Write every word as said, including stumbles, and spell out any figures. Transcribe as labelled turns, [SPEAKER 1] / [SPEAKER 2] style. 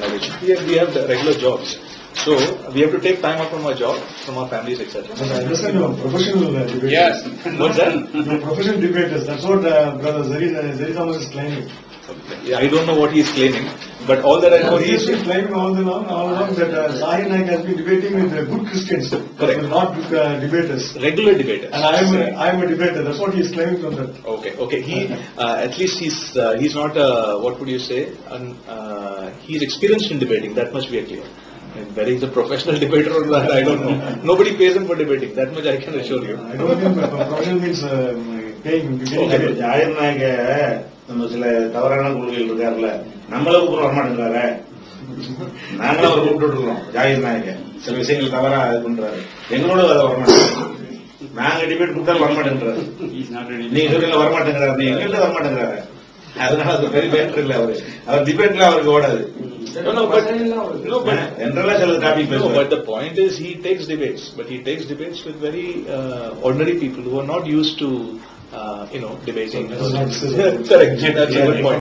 [SPEAKER 1] college. We have, we have the regular jobs. So we have to take time out from our job, from our families, et cetera.
[SPEAKER 2] But I understand you are professional uh, debaters.
[SPEAKER 1] Yes. What's that?
[SPEAKER 2] You are professional debaters. That's what uh, Brother Zari, uh, Zari Thomas is claiming.
[SPEAKER 1] I don't know what he is claiming, but all that I know
[SPEAKER 2] He
[SPEAKER 1] he
[SPEAKER 2] has
[SPEAKER 1] is
[SPEAKER 2] been claiming all along, all along that uh, Zahir Naik has been debating with uh, good Christians,
[SPEAKER 1] Correct.
[SPEAKER 2] not uh, debaters.
[SPEAKER 1] regular debaters.
[SPEAKER 2] And I am a, I am a debater. That's what he is claiming from that.
[SPEAKER 1] Okay, okay. He uh, at least he's uh, he's not uh, what would you say? Un, uh, he's experienced in debating. That much we are clear. And whether he's a professional debater or not, I don't know. Nobody pays him for debating. That much I can assure you.
[SPEAKER 2] I don't think uh, professional means uh, paying.
[SPEAKER 1] Okay.
[SPEAKER 3] ஜாயிர் நாயக நம்ம சில தவறான கொள்கைகள் இருக்காருல்ல, நம்மள கூப்பிட வரமாட்டேங்கிறாரு. நாங்களும் அவர் கூப்பிட்டு இருக்கோம். ஜாயிர் நாயக சில விஷயங்கள் தவறா இது பண்றாரு. எங்களோட அதை வரமாட்டேங்கிறாரு. நாங்க டிபேட் கூப்பிட்டாலும் வரமாட்டேங்கிறாரு. நீங்க சொல்றீங்க வரமாட்டேங்கிறாரு, நீங்க எங்கள்கிட்ட வரமாட்டேங்கிறாரு. அதனால அது பெரிய பேட்டர் இல்ல அவரு. அவர் டிபேட்ல அவருக்கு ஓடாது.
[SPEAKER 1] No, no, but no, but
[SPEAKER 3] என்றெல்லாம் சில டாபிக்
[SPEAKER 1] no,
[SPEAKER 3] பேசுவார்.
[SPEAKER 1] but the point is he takes debates, but he takes debates with very uh, ordinary people who are not used to uh, you know debating.
[SPEAKER 2] So that's not-
[SPEAKER 1] Correct. That's a good point.